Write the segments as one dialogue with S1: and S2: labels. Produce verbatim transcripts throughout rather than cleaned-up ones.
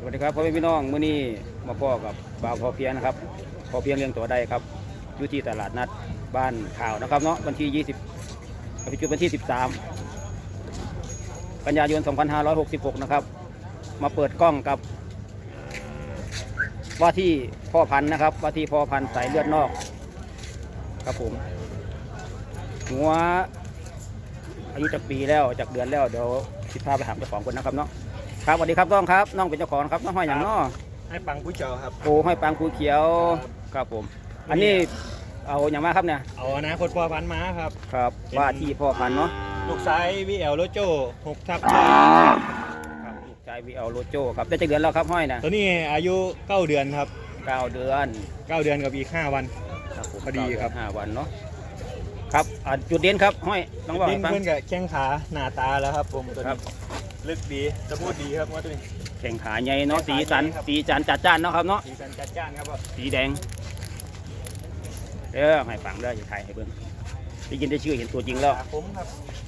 S1: วัสดีครับพ่อแม่พี่น้องมื้อนี้มาพ่อกับบ่าวพอเพียงนะครับพอเพียงเลี้ยงตัวได้ครับอยู่ที่ตลาดนัดบ้านข่าวนะครับเนาะวันที่ยี่สิบปัจจุบันวันที่สิบสามกันยายนสองพันห้าร้อยหกสิบหกนะครับมาเปิดกล้องกับว่าที่พ่อพันธุ์นะครับว่าที่พ่อพันธุ์สายเลือดนอกครับผมหัวอายุจากปีแล้วจากเดือนแล้วเดี๋ยวสิพาไปหาเจ้าของคนนะครับเนาะครับสวัสดีครับน้องครับน้องเป็นเจ้าของครับน้องห้อยอย่างน้อ
S2: ให้ปังผู้เจ้าครับ
S1: โอ้ห้อยปังภูเขียวครับผมอันนี้เอาอย่างมาครับเนี่ย
S2: เอานะคนพ่อพันธุ์มาครับ
S1: ครับว่าที่พ่อพันธุ์เนาะ
S2: ลูกชายวีเอลโลโจหกทับ
S1: ครับลูกชายวีเอลโลโจครับได้จักเดือนแล้วครับห้อยนะ
S2: ตัวนี้อายุเก้าเดือนครับ
S1: เก้าเดือน
S2: เก้าเดือนกับอีกห้าวันพอดีครับ
S1: ห้าวันเนาะครับจุดเด่นครับห้อย
S2: ต้องบอกเพื่อนกับแข้งขาหน้าตาแล้วครับผมตัวนี้ลึกดีจะพูดดีครับว่าตัวนี้
S1: แข้งขาใหญ่เนาะสีสันสีจันจัดจ้านเนาะครับเนาะ
S2: สีสันจัดจ้านครับ
S1: สีแดงเออให้ฟังได้อย่าถ่ายให้เบิ่งได้ยินได้ชื่อเห็นตัวจริงแล้ว
S2: ผมครับ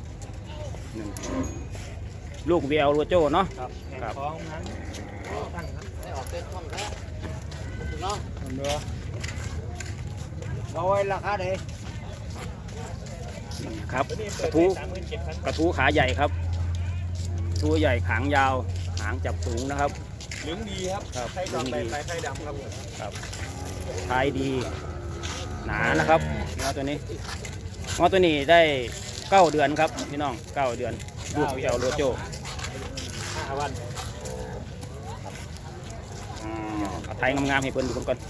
S1: ลูกวีเอลโลโจเนาะ
S2: ครับครับท้องนั้นตั้งครับได้ออกเต้นท้องแล้วเนาะเนื้อ
S1: เอาไว้ราคาเด้ครับกระทู้กระทู้ขาใหญ่ครับตัวใหญ่ขางยาวหางจับสูงนะครับ
S2: เหลืองดีครับไข่ดำไปไข่ดำครับ
S1: ครับไข่ดีหนานะครับงอตัวนี้งอตัวนี้ได้เก้าเดือนครับพี่น้องเก้าเดือนลูกวีเอลโลโจ
S2: ห้าวัน
S1: ไทยงามๆให้เพิ่นดูก่อน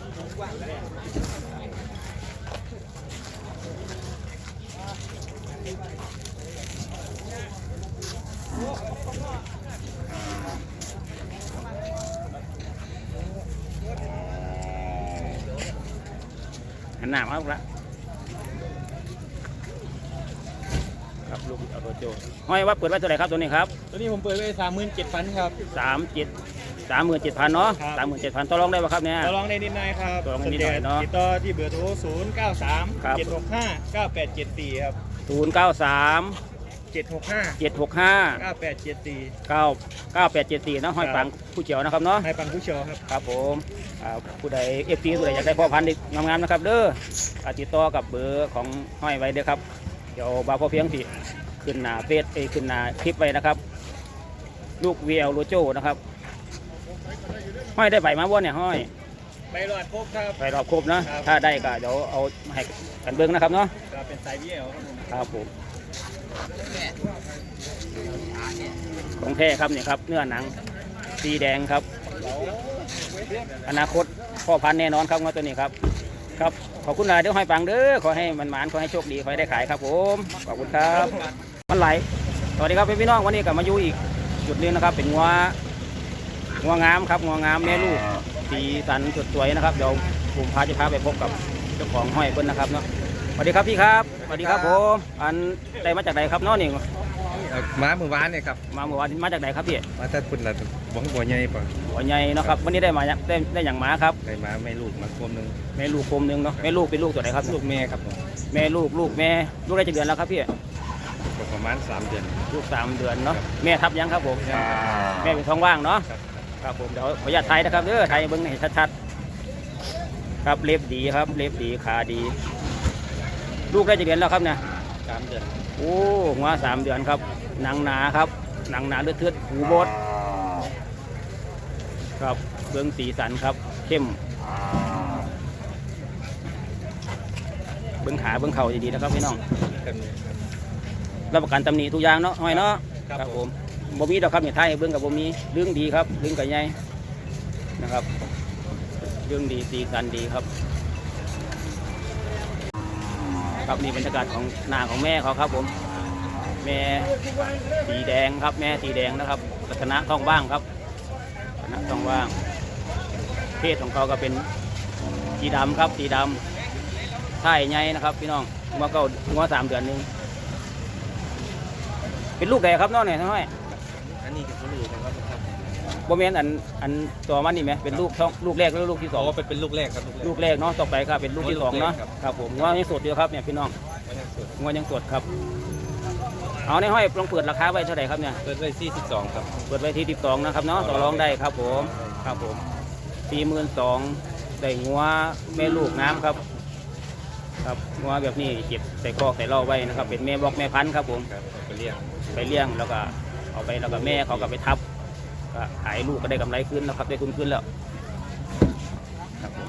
S1: หันหน้ามาละครับลูกเอาตัวโจห้อยว่าเปิดไว้เท่าไหร่ครับตัวนี้ครับ
S2: ตัวนี้ผมเปิดไว้สามหมื่นเจ็ดพันครับ
S1: สามเจ็ดสามหมื่นเจ็ดพันเนาะสามหมื่นเจ็ดพันต่อรองได้ป่ะครับเนี่ย
S2: ต่อรองได้นิดหน่อยครับ
S1: ต่อรองได้นิดหน่อยเนาะ
S2: ติดต่อที่เบอร์โทรศูนย์เก้าสามเจ็ดหกห้าเก้าแปดเจ็ดสี่ครับ
S1: ศูนย์เก้าสาม
S2: เจ็ดหกห้า
S1: เจ็ดหกห้า
S2: เก้าแปดเจ็ดสี่
S1: เก้าเก้าแปดเจ็ดสี่นะห้อยปังผู้เจียวนะครับเนาะ
S2: ห้อยปังผู้เจียวครับ
S1: ครับผมผู้ใดเอฟซีผู้ใดอยากได้พ่อพันธุ์งามๆนะครับเด้อติดต่อกับเบอร์ของห้อยไว้เด้อครับเดี๋ยวบ่าวพอเพียงสิขึ้นหน้าเฟซเอขึ้นหน้าคลิปไว้นะครับลูกวีเอลโลโจนะครับห้อยได้ใบมาบ้วนเนี่ยห้อย
S2: ใบหลอดครบครับ
S1: ใบหลอดครบนะถ้าได้ก็เดี๋ยวเอาให้กันเบิ้งนะครับเนาะ
S2: เป็นสายวีเอล
S1: ครับผมของแท้ครับเนี่ยครับเนื้อหนังสีแดงครับอนาคตพ่อพันธุ์แน่นอนครับว่าตัวนี้ครับครับขอบคุณหลายเด้อห้อยปังเด้อขอให้มันหมานขอให้โชคดีขอให้ได้ขายครับผมขอบคุณครับมันไหลสวัสดีครับพี่น้องวันนี้กลับมาอยู่อีกจุดนึงนะครับเป็นงัวงัวงามครับงัวงามแม่ลูกสีสันสดสวยนะครับเดี๋ยวผมพาจะพาไปพบกับเจ้าของห้อยเพิ่นนะครับเนาะสวัสดีครับพี่ครับสวัสดีครับผมอันได้มาจากไหนครับน้องนี่
S3: มาเมื่อวานเนี่ยครับ
S1: มาเมื่อวานมาจากไหนครับพี่
S3: มาจากคุณละบังบัวใหญ่ป่ะ
S1: บัวใหญ่เนาะครับวันนี้ได้มาได้ได้อย่างม้าครับ
S3: ได้มาแม่ลูกมาคมหนึ่ง
S1: แม่ลูกคมหนึ่งเนาะแม่ลูกเป็นลูกตัวไหนครับ
S3: ลูกแม่ครับ
S1: แม่ลูกลูกแม่ลูกได้กี่เดือนแล้วครับพี่
S3: ประมาณสามเดือน
S1: ลูกสามเดือนเนาะแม่ทับยังครับผมแม่เป็นท้องว่างเนาะครับผมเดี๋ยวขออนุญาตไทยนะครับเด้อไทยเบิ้งให้ชัดๆครับเล็บดีครับเล็บดีขาดีลูกได้กี่เดือนแล้วครับเนี่ย
S3: สามเดือน
S1: โอ้หัวสามเดือนครับหนังหนาครับหนังหนาเลือดเทือดหูบดครับเบื้องสีสันครับเข้มเบื้องขาเบื้องเข่าดีๆนะครับพี่น้องรับประกันตำหนิทุกอย่างเนาะห้อยเนาะครับผมบ่มีดอกครับเนี่ยไทยเบื้องกับบ่มีเรื่องดีครับเรื่องไก่ใหญ่นะครับเรื่องดีสีสันดีครับครับนี่บรรยากาศของหน้าของแม่เขาครับผมแม่สีแดงครับแม่สีแดงนะครับลักษณะท้องว่างครับลักษณะท้องว่างเพศของเขาก็เป็นสีดำครับสีดำไทยใหญ่นะครับพี่น้องเมื่อก็เมื่อสามเดือนนึงเป็นลูกแดงครับน้องเนี่ยน้อย
S3: อันนี้เป็นลูกนะครับ
S1: โบเมนอันอันตัวมันนี่ไหมเป็นลูกท้องลูกแรกหรือลูกที่สอง
S3: ก็เป็นเป็นลูกแรกครับ
S1: ลูกแรกเนาะต่อไปครับเป็นลูกที่สองเนาะครับผมงวยังสดอยู่ครับเนี่ยพี่น้องงวยังสดครับเอาในห้อยลองเปิดราคาไว้เท่าไหร่ครับเนี่ย
S3: เปิดไว้สี่สิบสองครับ
S1: เปิดไว้ที่สิบสองนะครับเนาะต่อรองได้ครับผมครับผมสี่หมื่นสองได้งัวแม่ลูกน้ำครับครับงัวแบบนี้เก็บใส่คอกใส่เล่าไว้นะครับเป็นแม่บอกแม่พันธุ์ครับผม
S3: ครับไปเรียก
S1: ไปเลี้ยงแล้วก็เอาไปแล้วก็แม่เขาก็ไปทับก็ขายลูกก็ได้กำไรขึ้นแล้วครับได้ทุนขึ้นแล้วครับผม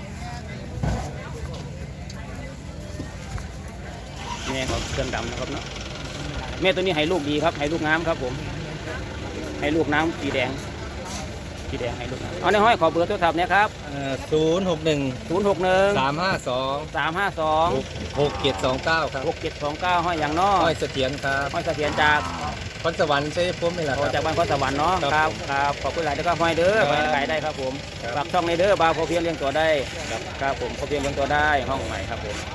S1: แม่เขาเครื่องดำนะครับเนาะแม่ตัวนี้ให้ลูกดีครับให้ลูกน้ำครับผมให้ลูกน้ำสีแดงสีแดงให้ลูกน้ำเอาในห้อยขอเบอร์โทรศัพท์เนี่ยครับ
S3: ศูนย์หกหนึ่ง
S1: ศูนย์หกหนึ่ง
S3: สามห้าสอง
S1: สามห้าสอง
S3: หกเจ็ดสองเก้าครับ
S1: หกเจ็ดสองเก้าห้อยอย่างน้อ
S3: ห้อยเสถียรครับ
S1: ห้อยเสถียรจาก
S3: พรสวรรค์ใช่พุ่มนี่แหละค
S1: โอ้
S3: รับ
S1: จากบ้านข้อสวรรค์เนาะ
S3: ครับ
S1: ครับครับขอบคุณหลายแล้วก็ห้อยเด้อ
S3: ครับ
S1: ไปขายได้ครับผม
S3: ครับ
S1: ฝากช่องในเด้อบาวพอเพียงเลี้ยงตัวได้ครับผมพอเพียงเลี้ยงตัวได้ห้องใหม่ครับผม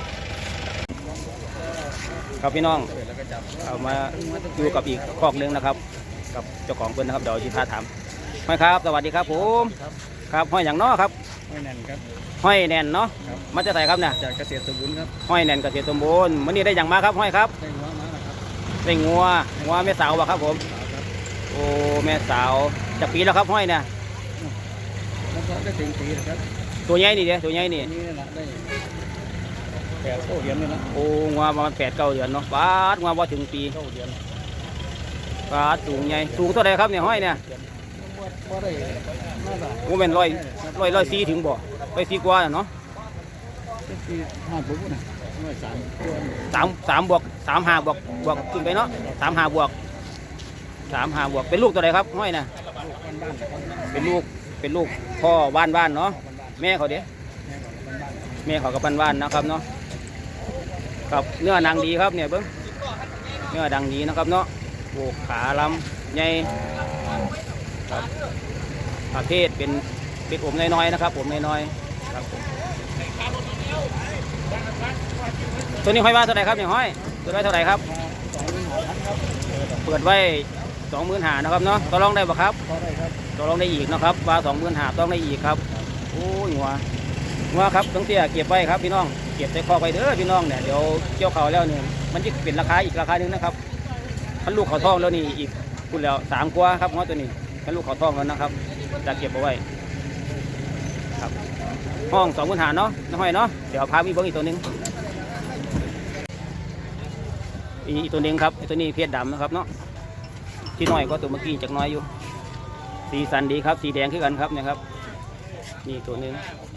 S1: ครับพี่น้องเอามาอยู่กับอีกคอกหนึงนะครับ กับเจ้าของเพิ่นนะครับเดี๋ยวชิพาถามห้อยครับสวัสดีครับผมครับห้อยอย่างน้อครับ
S2: ไม่แน่นครับ
S1: ห้อยแน่นเนาะ
S2: ครับ
S1: มันจะใส่ครับเนี่ย
S2: จากเกษตรสมบูรณ์ครับ
S1: ห้อยแน่นเกษตรสมบูรณ์วันนี้ได้อย่างมาครับห้อยครับ
S2: ได้หัวมาแล้วครับ
S1: ได้งัวงัวแม่สาวบ่ครับผม
S2: ครับ
S1: โอ้แม่สาวจากปีแล้วครับห้อยเนี่ย
S2: แล้วก็ได้ถึงปีนะครับ
S1: ตัวใหญ่นี่เดียตัวใหญ่นี่
S2: นี่นี่แหละได้แปดโซ่เหรียญนี่ละ
S1: โอ้งัวประมาณแปดเก้าเดือนเนาะบาทงัวพอถึงปี
S2: โซ่เหรียญ
S1: บาทสูงใหญ่สูงเท่าไหร่ครับเนี่ยห้อยเนี่ย
S2: บ่ได้น่าจะ
S1: โอ้เป็นร้อยร้อยร้อยสี่ถึงบ่ร้อยสี่กว่าเนาะ
S2: เป็นปีห้าปุ๊บนะร้อยสามตัว
S1: สามสามบวกสามห้าบวกบวกขึ้นไปเนาะสามห้าบวกสามห้าบวกเป็นลูกตัวไหนครับห้อยเนี่ย
S2: ลูกบ้านบ้านครับ
S1: เป็นลูกเป็นลูกพ่อบ้านบ้านเนาะแม่เขาเด้
S2: แม่ของบ้านบ้าน
S1: แม่เขากับบ้านบ้านนะครับเนาะครับเนื้อหนังดีครับเนี่ยเบิ้งเนื้อดังดีนะครับเนาะโอ้ขาลำใหญ่ครับประเภทเป็นเป็นอมน้อยๆนะครับผมน้อยๆครับผมตัวนี้ห้อยว่าเท่าไหร่ครับเนี่ยห้อยเปิดไว้เท่าไหร่ครับ
S2: สองหมื่นหกพันครับ
S1: เปิดไว้สองหมื่นหานะครับเนาะต่อรองได้ปะครับ
S2: พอได้ครับ
S1: ต่อรองได้อีกนะครับว่าสองหมื่นหาต้องได้อีกครับโอ้ยหัวหัวครับต้องเตี้ยเก็บไว้ครับพี่น้องเก็บใส่คอไว้เด้อพี่น้องเนี่ยเดี๋ยวเกี่ยวเขาแล้วเนี่ยมันจะเป็นราคาอีกราคาหนึ่งนะครับคันลูกเขาทองแล้วนี่อีกพูดแล้วสามกว่าครับหัวตัวนี้คันลูกเขาทองแล้วนะครับจะเก็บเอาไว้ครับห้องสองหมื่นหาเนาะน้องห้อยเนาะเดี๋ยวพามีเบิ้งอีกตัวหนึ่งอีกตัวหนึ่งครับไอ้ตัวนี้เพชรดำนะครับเนาะที่น้อยก็ตัวเมื่อกี้จากน้อยอยู่สีสันดีครับสีแดงขึ้นกันครับเนี่ยครับนี่ตัวหนึ่ง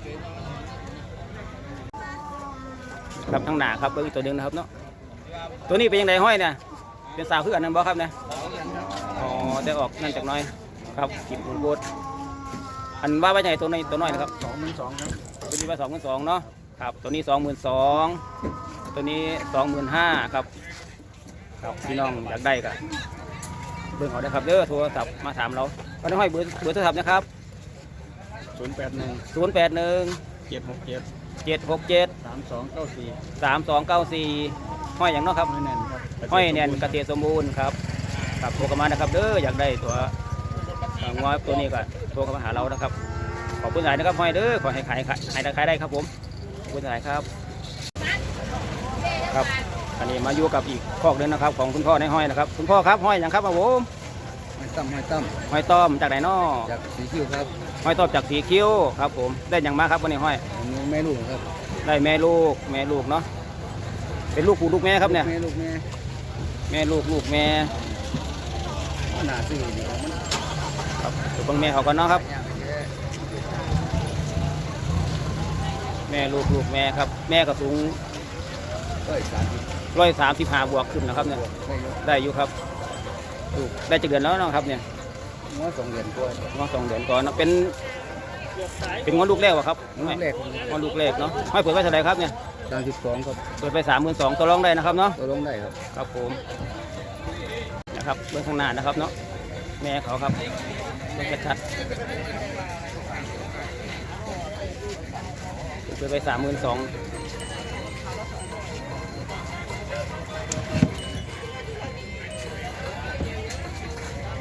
S1: ครับข้างหน้าครับเบิ้งอีกตัวหนึ่งนะครับเนาะตัวนี้เป็นยังไงห้อยเนี่ยเป็นสาวขึ้นกันนั่นบ่ครับเนี่ย
S2: สองเหรียญครับ
S1: อ๋อได้ออกนั่นจากน้อยครับกิบหมูโบดอันว่าไว้ไหนตัวน้อยตัวน้อยนะครับ
S2: สองหมื่นสองครับ
S1: ตัวนี้ว่าสองหมื่นสองเนาะครับตัวนี้สองหมื่นสองตัวนี้สองหมื่นห้าครับครับพี่น้องอยากได้ก็เบิ่งเอาได้ครับเด้อโทรศัพท์มาถามเราก็ได้ห้อยเบอร์เบอร์โทรศัพท์นะครับ
S2: ศูนย์แปดหนึ่ง
S1: ศูนย์แปดหนึ่ง
S2: เจ็ดหกเจ็ด
S1: เจ็ดหกเจ็ด
S2: สามสองเก้าสี่
S1: สามสองเก้าสี่ห้อยอย่างเนาะครับ
S2: ไม่แน่นครับ
S1: ห้อยแนนเกษตรสมบูรณ์ครับครับโทรเข้ามานะครับเด้ออยากได้ตัวเอ่องอตัวนี้ก็โทรเข้ามาหาเรานะครับขอบคุณหลายนะครับห้อยเด้อขอให้ขายขายขายได้ขายได้ครับผมขอบคุณหลายครับครับอันนี้มาอยู่กับอีกคอกหนึงนะครับของคุณพ่อในห้อยนะครับคุณพ่อครับห้อยอย่างครับครับผม
S2: ไม่ตั้มไม่ตั้ม
S1: ห้อยต้อมจากไหนน้อ
S2: จากสีคิ้วครับ
S1: ห้อยต้อมจากสีคิ้วครับผมได้อย่างมาครับวันนี้ห้อย
S2: อันนี้แม่ลูกครับ
S1: ได้แม่ลูกแม่ลูกเนาะเป็นลูกปู่ลูกแม่ครับเนี่ย
S2: แม่ลูกแม่
S1: แม่ลูกลูกแม่
S2: หนาซื่อดีครับมัน
S1: ครับตัวเบิ่งแม่เขากันเนาะครับ
S2: ยากแค่
S1: แม่ลูกลูกแม่ครับแม่ก็สูง
S2: เอ้ยสามสิบ
S1: ร้อยสามสิบห้าบวกขึ้นนะครับเนี่ย
S2: ได้เยอะ
S1: ได้อยู่ครับลูกได้จะเดือนแล้วเนาะครับเนี่ย
S2: งอสองเหรียญกว่า
S1: ง้อสองเดือนก่อนเนาะเป็นเป็นง้อลูกแรกวะครับ
S2: งอแรก
S1: ง้อลูกแรกเนาะห้อยเปิดไว้เท่าไหร่ครับเนี่ย
S2: สามสิบสองครับ
S1: เปิดไปสามหมื่นสองตัวรองได้นะครับเนาะ
S2: ตัวลงได้ครับ
S1: ครับผมนะครับเบื้องข้างหน้านะครับเนาะแม่เขาครับเบื้องชัดๆเปิดไปสามหมื่นสอง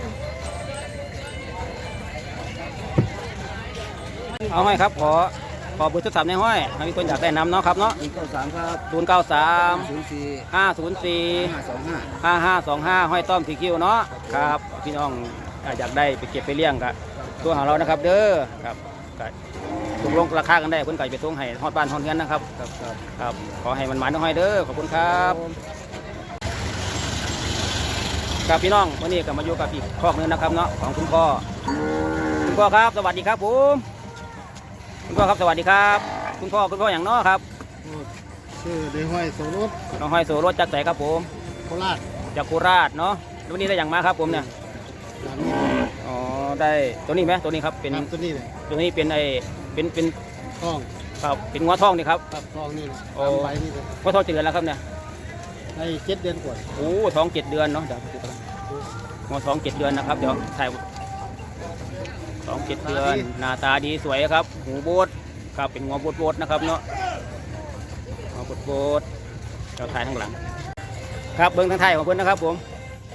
S1: เอาให้ครับขอขอเบอร์โทรศัพท์ในห้อยถ้ามีคนอยากได้นำเนาะครับเนาะ
S2: ศูนย์เก้าสามครับ
S1: ศูนย์เก้าสาม
S2: ศูนย์สี่
S1: ห้าศูนย์สี่
S2: ห้าสองห้า
S1: ห้าห้าสองห้าห้อยต้อมสีคิวเนาะครับพี่น้องอยากได้ไปเก็บไปเลี้ยงก็ตัวของเรานะครับเด้อครับก็ตกลงราคากันได้คนไก่ไปส่งให้ฮอดบ้านฮอดเงินนะครับ
S2: ครับครับ
S1: ครับขอให้มันหมานน้องห้อยเด้อขอบคุณครับครับพี่น้องวันนี้ก็มาอยู่กับอีกครอบหนึงนะครับเนาะของคุณพ่อคุณพ่อครับสวัสดีครับผมคุณพ่อครับสวัสดีครับคุณพ่อคุณพ่ออย่างเนาะครับ
S2: ชื่อเดห้อยโสรส
S1: น้องห้อยโสรถจากไหนครับผม
S2: โคราช
S1: จากโคราชเนาะแล้ววันนี้ได้อย่างมาครับผมเนี่ย
S2: หลัง
S1: อ๋อได้ตัวนี้ไหมตัวนี้ครับเป็น
S2: ครับตัวนี้เลย
S1: ตัวนี้เป็นไอเป็นเป็น
S2: ท้อง
S1: ครับเป็นงัวทองนี่ครับ
S2: ครับท้องนี่เลย
S1: โอ้
S2: ตามใบนี่เลย
S1: งัวทองเจ็ดเดือนแล้วครับเนี่ย
S2: ได้เจ็ดเดือนกว่า
S1: โอ้ท้องเจ็ดเดือนเนาะเดี๋ยวงัวท้องเจ็ดเดือนนะครับเดี๋ยวถ่ายท้องเจ็ดเดือนหน้าตาดีสวยครับหูโบดครับเป็นงัวโบดโบดนะครับเนาะงัวโบดโบดเราถ่ายข้างหลังครับเบิ้งทางไทายของเพื่อนนะครับผม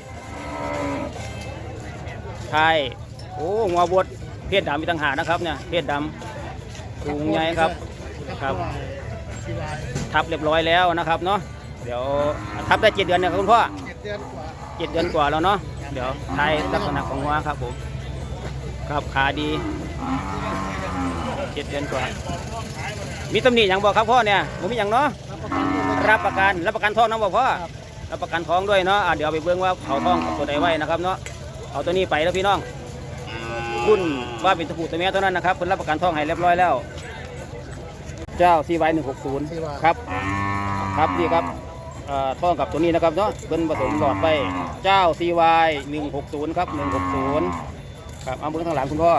S1: ไทยโอ้งัวโบดเพศดำมีต่างหากนะครับเนี่ยเพศดำสูงใหญ่ครับครับ
S2: ที่ลาย
S1: ทับเรียบร้อยแล้วนะครับเนาะเดี๋ยวทับได้เจ็ดเดือนเนี่ยครับคุณพ่อ
S2: เจ็ดเดือนกว่า
S1: เจ็ดเดือนกว่าแล้วเนาะเดี๋ยวทายลักษณะของหัวครับผมครับขาดีเจ็ดเดือนกว่ามีตำหนิอย่างบอกครับพ่อเนี่ยผมมีอย่างเนาะ
S2: รับประกันด้วย
S1: รับประกันรับประกันท้องนะบอกพ่อรับประกันท้องด้วยเนาะอ่ะเดี๋ยวไปเบิ่งว่าเขาท้องกับตัวใดไว้นะครับเนาะเอาตัวนี้ไปแล้วพี่น้องคุณว่าเป็นตะปูตัวแม่เท่านั้นนะครับคุณรับประกันท้องให้เรียบร้อยแล้ว เจ้าซีไวหนึ่งหกศูนย์
S2: ที่ว่า
S1: ครับครับนี่ครับเอ่อท้องกับตัวนี้นะครับเนาะเป็นผสมหลอดไปเจ้า ซี วาย หนึ่งหกศูนย์ครับหนึ่งหกศูนย์ครับเอาเบื้องทางหลังคุณพ่อ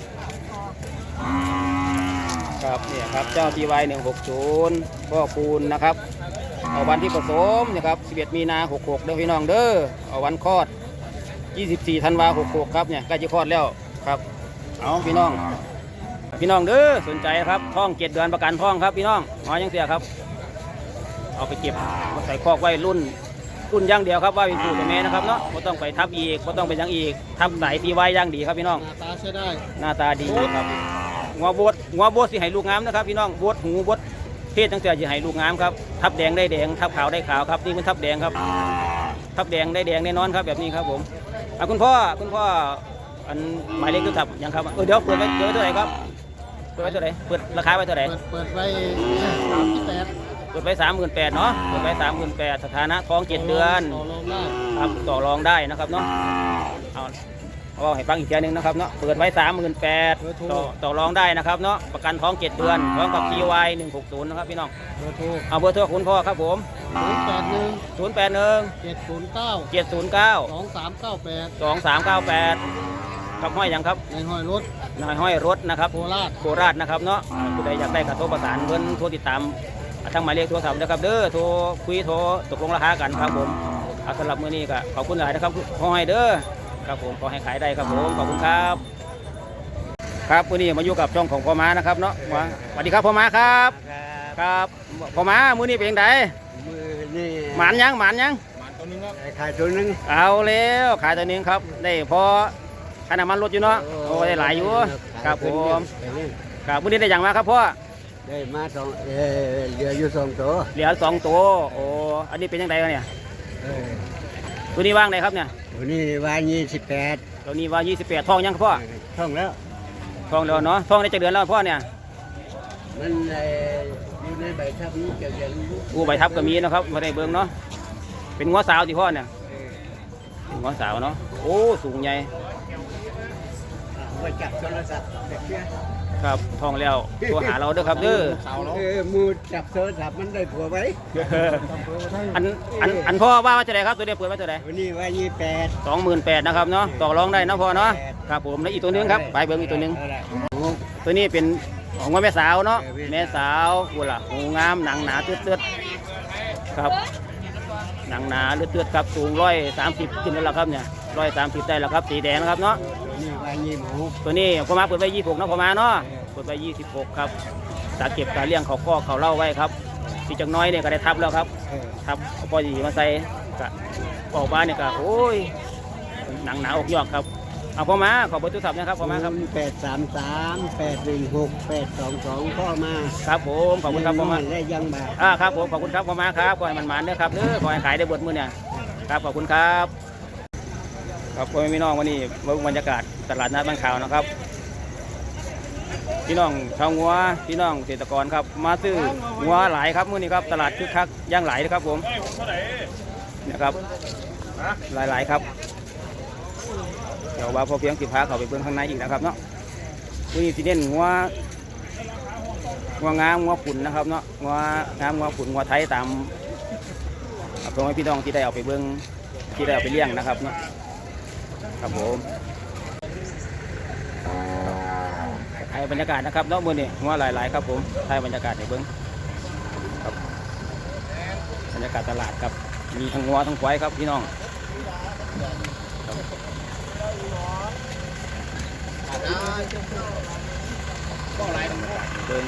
S1: ครับเนี่ยครับเจ้า ซี วาย หนึ่งหกศูนย์พ่อคูณนะครับเอาวันที่ผสมนะครับสิบเอ็ดมีนาหกหกเด้อพี่น้องเด้อเอาวันคลอดยี่สิบสี่ธันวาหกหกครับเนี่ยใกล้จะคลอดแล้วครับเอาพี่น้อง พี่น้องเด้อสนใจครับท้องเจ็ดเดือนประกันท้องครับพี่น้องหอยังเสียครับเอาไปเก็บมาใส่คอกไว้รุ่นรุ่นอย่างเดียวครับว่าเป็นสูตรแม่นะครับเนาะไม่ต้องไปทับอีกไม่ต้องไปยังอีกทับไหนตีไว้อย่างดีครับพี่น้อง
S2: หน้าตาใช้ได้
S1: หน้าตาดีครับงัวบดงัวบดสิให้ลูกงามนะครับพี่น้องบดหูบดเพศตั้งแต่จะให้ลูกงามครับทับแดงได้แดงทับขาวได้ขาวครับนี่เป็นทับแดงครับทับแดงได้แดงแน่นอนครับแบบนี้ครับผมอ่ะคุณพ่อคุณพ่ออันหมายเลขโทรศัพท์ยังครับเออเดี๋ยวเปิดไว้เดี๋ยวไว้เท่าไหร่ครับเปิดไว้เท่าไหร่เปิดราคาไว้เท่าไหร่
S2: เปิดเปิดไว้สามสิบแปด
S1: เปิดไว้สามหมื่นแปดเนาะเปิดไว้สามหมื่นแปดสถานะท้องเจ็ดเดือน
S2: ต่อรองได้
S1: ครับต่อรองได้นะครับเนาะเอาเอาให้ฟังอีกทีนึงนะครับเนาะเปิดไว้สามหมื่นแปดต่อต่อรองได้นะครับเนาะประกันท้องเจ็ดเดือนพร้อมกับ ซี วาย หนึ่งหกศูนย์นะครับพี่น้อง
S2: เบอร์โทร
S1: เอาเบอร์โทรคุณพ่อครับผม
S2: ศูนย์แปดหนึ่ง
S1: ศูนย์แปดหนึ่ง
S2: เจ็ดศูนย์เก้า
S1: เจ็ดศูนย์เก้า
S2: สองสามเก้าแปด
S1: สองสามเก้าแปดกับห้อยหยังครับ
S2: ในห้อยรถ
S1: นายห้อยรถนะครับ
S2: โคราช
S1: โคราชนะครับเนาะอ่าผู้ใดอยากได้กระโทรประสานเพิ่นโทรติดตามอ่าทางหมายเลขโทรศัพท์นะครับเด้อโทรคุยโทรตกลงราคากันครับผมเอาสำหรับมื้อนี้ก็ขอบคุณหลายนะครับขอให้เด้อครับผมขอให้ขายได้ครับผมขอบคุณครับ ครับมื้อนี้มาอยู่กับช่องของพ่อม้านะครับเนาะว่าสวัสดีครับพ่อม้าครับครับพ่อม้ามื้อนี้เป็นจังได
S2: มือนี่
S1: หมานยังหมานยัง
S2: ขายตัวนึง
S1: เอาแล้วขายตัวนี้ครับได้พอค่าน้ำมันลดอยู่เนาะโอ้ได้หลายอยู่ครับผมครับมื้อนี้ได้อย่างมาครับพ่อ
S2: ได้มาสองเออเหลืออยู่สองตัว
S1: เหลือสองตัวโอ้อันนี้เป็นยังไงกันเนี่ย
S2: เออ
S1: ตัวนี้ว่างไหนครับเนี่ย
S2: ตัวนี้ว่ายี่สิบแปด
S1: ตัวนี้ว่ายี่สิบแปดทองยังครับพ่อ
S2: ท่องแล้ว
S1: ทองแล้วเนาะทองได้จะเดือนแล้วพ่อเนี่ย
S2: มันเอ่ออยู่ในใบทับนี้เกี่ยวกับ
S1: อู้ใบทับก็มีนะครับมาได้เบิ่งเนาะเป็นงัวสาวที่พ่อเนี่ยเป็นงัวสาวเนาะโอ้สูงใหญ่
S2: ไปจับโทรศัพท์เด็กเนี่ย
S1: ครับทองแล้วตัวหาเราเด้อครับเด้อ
S2: เออมูจับโทรศัพท์มันได้ผัวไว้
S1: อันอันอันพ่อว่าว่าจะไหนครับตัวนี้เปิดไว้ตัวไหน
S2: วันนี้ว่ายี่แปด
S1: สองหมื่นแปดนะครับเนาะต่อรองได้นะพ่อเนาะครับผมแล้วอีกตัวหนึงครับไปเบิ่งอีกตัวหนึงตัวนี้เป็นของว่าแม่สาวเนาะแม่สาวกูล่ะหูงามหนังหนาเตือดๆครับหนังหนาเลือดๆครับสูงร้อยสามสิบขึ้นแล้วล่ะครับเนี่ยร้อยสามสิบได้แล้วครับสีแดงนะครับเนาะ
S2: วันนี้ว่ายี่หมู
S1: ตัวนี้พอมาเปิดไว้ยี่สิบหกนะพอมาเนาะเปิดไว้ยี่สิบหกครับตาเก็บตาเลี้ยงเขาก็เขาเล่าไว้ครับสีจังน้อยเนี่ยก็ได้ทับแล้วครับ
S2: เออ
S1: ทับเอาปอดีมาใส่กะออกมาเนี่ยก็โอ้ยหนังหนาอกยอกครับเอาพอมาขอเบอร์โทรศัพท์นะครับพอมาครับ
S2: แปดสามสามแปดหนึ่งหกแปดสองสองพ่อมา
S1: ครับผมขอบคุณครับพอมา
S2: ได้ยังบาท
S1: อ่าครับผมขอบคุณครับพอมาครับขอให้มันหมานเด้อครับเด้อขอให้ขายได้เบดมื้อเนี่ยครับขอบคุณครับครับพ่อแม่พี่น้องวันนี้มาดูบรรยากาศตลาดนัดบ้านขาวนะครับพี่น้องชาวงัวพี่น้องเกษตรกรครับมาซื้องัวหลายครับมื้อนี้ครับตลาดคึกคักย่างหลายนะครับผมนะครับหลายๆครับเดี๋ยวว่าพอเพียงสิพาเขาไปเบิ่งข้างในอีกนะครับเนาะมื้อนี้สิเน้นงัวงัวงามงัวขุนนะครับเนาะงัวงามงัวขุนงัวไทยตามพ่อแม่พี่น้องที่ได้เอาไปเบิ่งที่ได้เอาไปเลี้ยงนะครับเนาะครับผมถ่ายบรรยากาศนะครับเนาะมื้อนี้งัวหลายๆครับผมถ่ายบรรยากาศให้เบิ่งครับบรรยากาศตลาดครับมีทั้งงัวทั้งควายครับพี่น้องเบิ่ง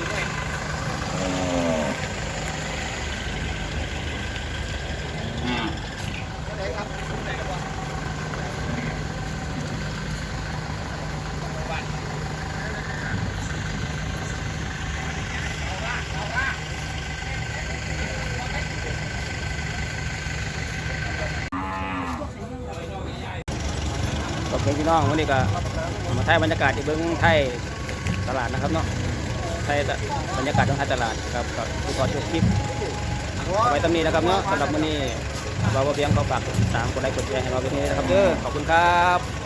S1: ขอบคุณพี่น้องวันนี้ก็มาถ่ายบรรยากาศที่เบิ้งไทยตลาดนะครับเนาะไทยบรรยากาศของไทยตลาดครับกับผู้ขอจบคลิปไว้ตำนี้นะครับเนาะสำหรับวันนี้เราเพียงเขาฝากตามกดไลค์กดแชร์ให้เราไปที่นี่นะครับเด้อขอบคุณครับ